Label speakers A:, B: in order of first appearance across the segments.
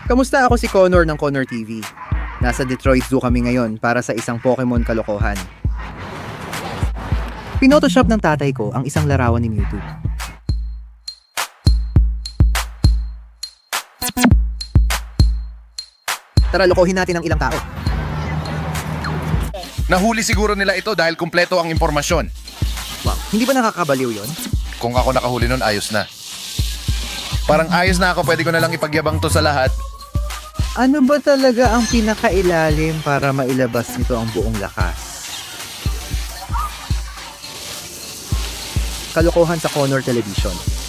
A: Kamusta? Ako si Connor ng Connor TV. Nasa Detroit Zoo kami ngayon para sa isang Pokemon kalokohan. Pinotoshop ng tatay ko ang isang larawan ni Mewtwo. Tara, lokohin natin ang ilang tao.
B: Nahuli siguro nila ito dahil kumpleto ang impormasyon.
A: Wow, hindi ba nakakabaliw yon?
B: Kung ako nakahuli nun, ayos na. Parang ayos na ako, pwede ko na lang ipagyabang to sa lahat.
A: Ano ba talaga ang pinakailalim para mailabas nito ang buong lakas? Kalokohan sa Connor Television.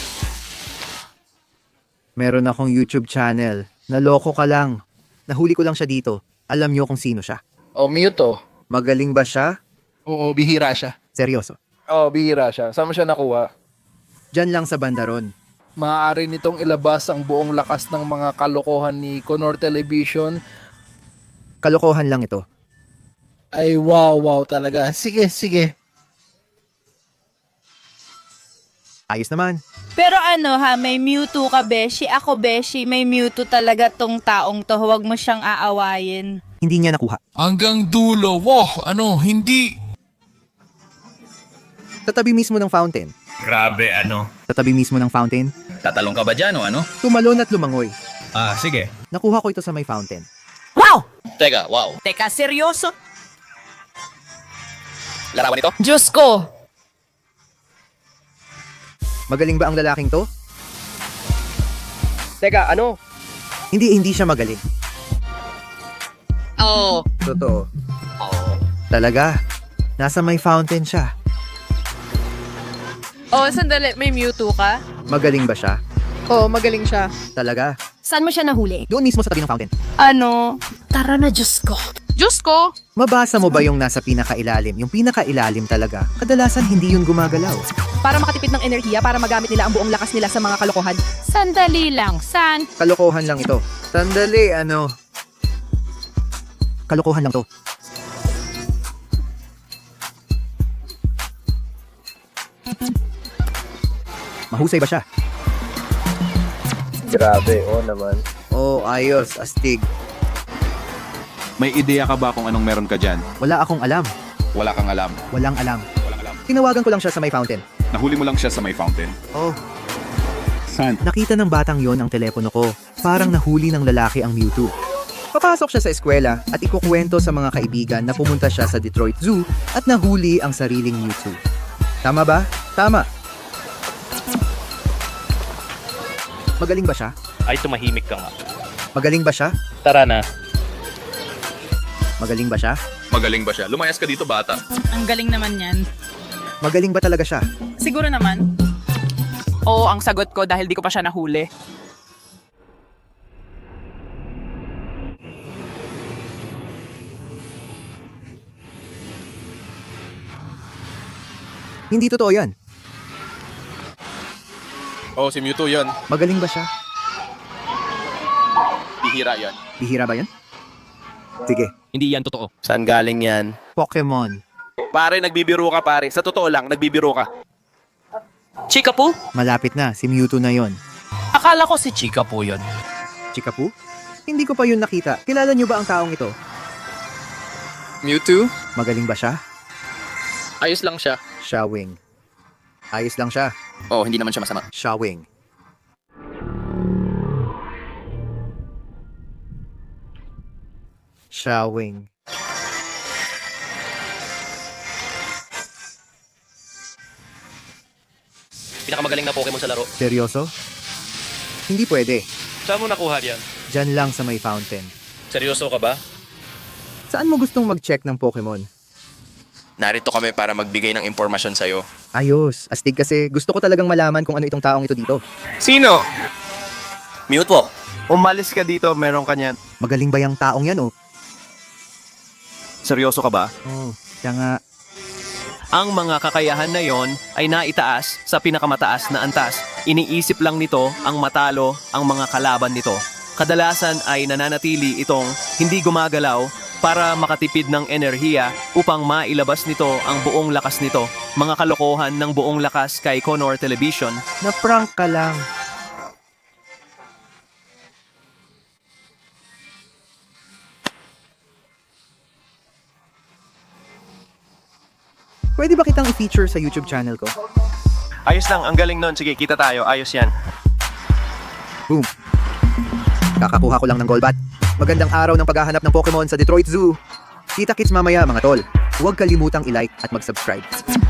A: Meron akong YouTube channel. Naloko ka lang. Nahuli ko lang siya dito. Alam niyo kung sino siya.
C: Oh, Mewtwo.
A: Magaling ba siya?
C: Oo, bihira siya.
A: Seryoso.
C: Oo, bihira siya. Saan mo siya nakuha?
A: Diyan lang sa bandaron.
C: Maaari nitong ilabas ang buong lakas ng mga kalokohan ni Connor Television.
A: Kalokohan lang ito.
C: Ay, wow talaga. Sige, sige.
A: Ayos naman.
D: Pero ano ha, may Mewtwo ka, Beshi. Ako, Beshi, may Mewtwo talaga tong taong to. Huwag mo siyang aawayin.
A: Hindi niya nakuha.
E: Hanggang dulo. Wow, hindi.
A: Sa tabi mismo ng fountain.
F: Grabe, ano?
A: Sa tabi mismo ng fountain.
F: Tatalong ka ba dyan o ano?
A: Tumalon at lumangoy.
F: Ah, sige.
A: Nakuha ko ito sa may fountain.
F: Teka, wow.
D: Teka, seryoso?
F: Larawan ito?
D: Diyos ko!
A: Magaling ba ang lalaking to?
C: Teka, ano?
A: Hindi siya magaling.
D: Oo.
A: Totoo. Talaga. Nasa may fountain siya.
G: Oh, sandali. May Mewtwo ka?
A: Magaling ba siya?
G: Oo, magaling siya.
A: Talaga.
H: Saan mo siya nahuli?
A: Doon mismo sa tabi ng fountain.
D: Ano?
H: Tara na, Diyos ko.
G: Diyos ko!
A: Mabasa mo ba yung nasa pinakailalim? Yung pinakailalim talaga, kadalasan hindi yun gumagalaw.
H: Para makatipid ng enerhiya, para magamit nila ang buong lakas nila sa mga kalokohan.
D: Sandali lang. San?
A: Kalokohan lang ito. Sandali, ano? Kalokohan lang to. Mahusay ba siya?
C: Grabe, naman.
A: Oh, ayos, astig.
I: May ideya ka ba kung anong meron ka dyan?
A: Wala akong alam.
I: Wala kang alam.
A: Walang alam.
I: Walang alam.
A: Tinawagan ko lang siya sa may fountain.
I: Nahuli mo lang siya sa may fountain.
A: Oh,
I: Saan?
A: nakita ng batang yon ang telepono ko. Parang nahuli ng lalaki ang Mewtwo. Papasok siya sa eskwela at ikukwento sa mga kaibigan na pumunta siya sa Detroit Zoo at nahuli ang sariling Mewtwo. Tama ba? Tama. Magaling ba siya?
F: Ay, tumahimik ka nga.
A: Magaling ba siya?
F: Tara na.
A: Magaling ba siya?
I: Magaling ba siya? Lumayas ka dito, bata.
D: Ang galing naman yan.
A: Magaling ba talaga siya?
D: Siguro naman.
G: Oo, ang sagot ko dahil di ko pa siya nahuli.
A: Hindi totoo yan.
B: Oh, si Mewtwo yun.
A: Magaling ba siya?
B: Bihira yan.
A: Bihira ba yan? Sige.
F: Hindi yan totoo.
C: Saan galing yan?
A: Pokemon.
C: Pare, nagbibiro ka pare. Sa totoo lang, nagbibiro ka.
G: Chika po?
A: Malapit na. Si Mewtwo na yon.
G: Akala ko si Chika po yun.
A: Chikapu? Hindi ko pa yun nakita. Kilala niyo ba ang taong ito?
C: Mewtwo?
A: Magaling ba siya?
C: Ayos lang siya.
A: Shawing. Ayos lang siya.
F: Oh, hindi naman siya masama.
A: Shawing. Shawing.
F: Pinakamagaling na Pokemon sa laro.
A: Seryoso? Hindi pwede.
F: Saan mo nakuha yan?
A: Diyan lang sa may fountain.
F: Seryoso ka ba?
A: Saan mo gustong mag-check ng Pokemon?
J: Narito kami para magbigay ng impormasyon sa'yo.
A: Ayos. Astig kasi gusto ko talagang malaman kung ano itong taong ito dito.
C: Sino?
J: Mewtwo,
C: Umalis ka dito, meron ka niyan.
A: Magaling ba yung taong yan, oh?
C: Seryoso ka ba?
A: Oh, siya nga.
K: Ang mga kakayahan na yon ay naitaas sa pinakamataas na antas. Iniisip lang nito ang matalo ang mga kalaban nito. Kadalasan ay nananatili itong hindi gumagalaw para makatipid ng enerhiya upang mailabas nito ang buong lakas nito. Mga kalokohan ng buong lakas kay Connor Television.
A: Na-prank ka lang. Pwede ba kitang i-feature sa YouTube channel ko?
K: Ayos lang, ang galing nun. Sige, kita tayo. Ayos yan.
A: Boom. Kakakuha ko lang ng Golbat. Magandang araw ng paghahanap ng Pokemon sa Detroit Zoo. Kita-kits mamaya mga tol. Huwag kalimutang i-like at mag-subscribe.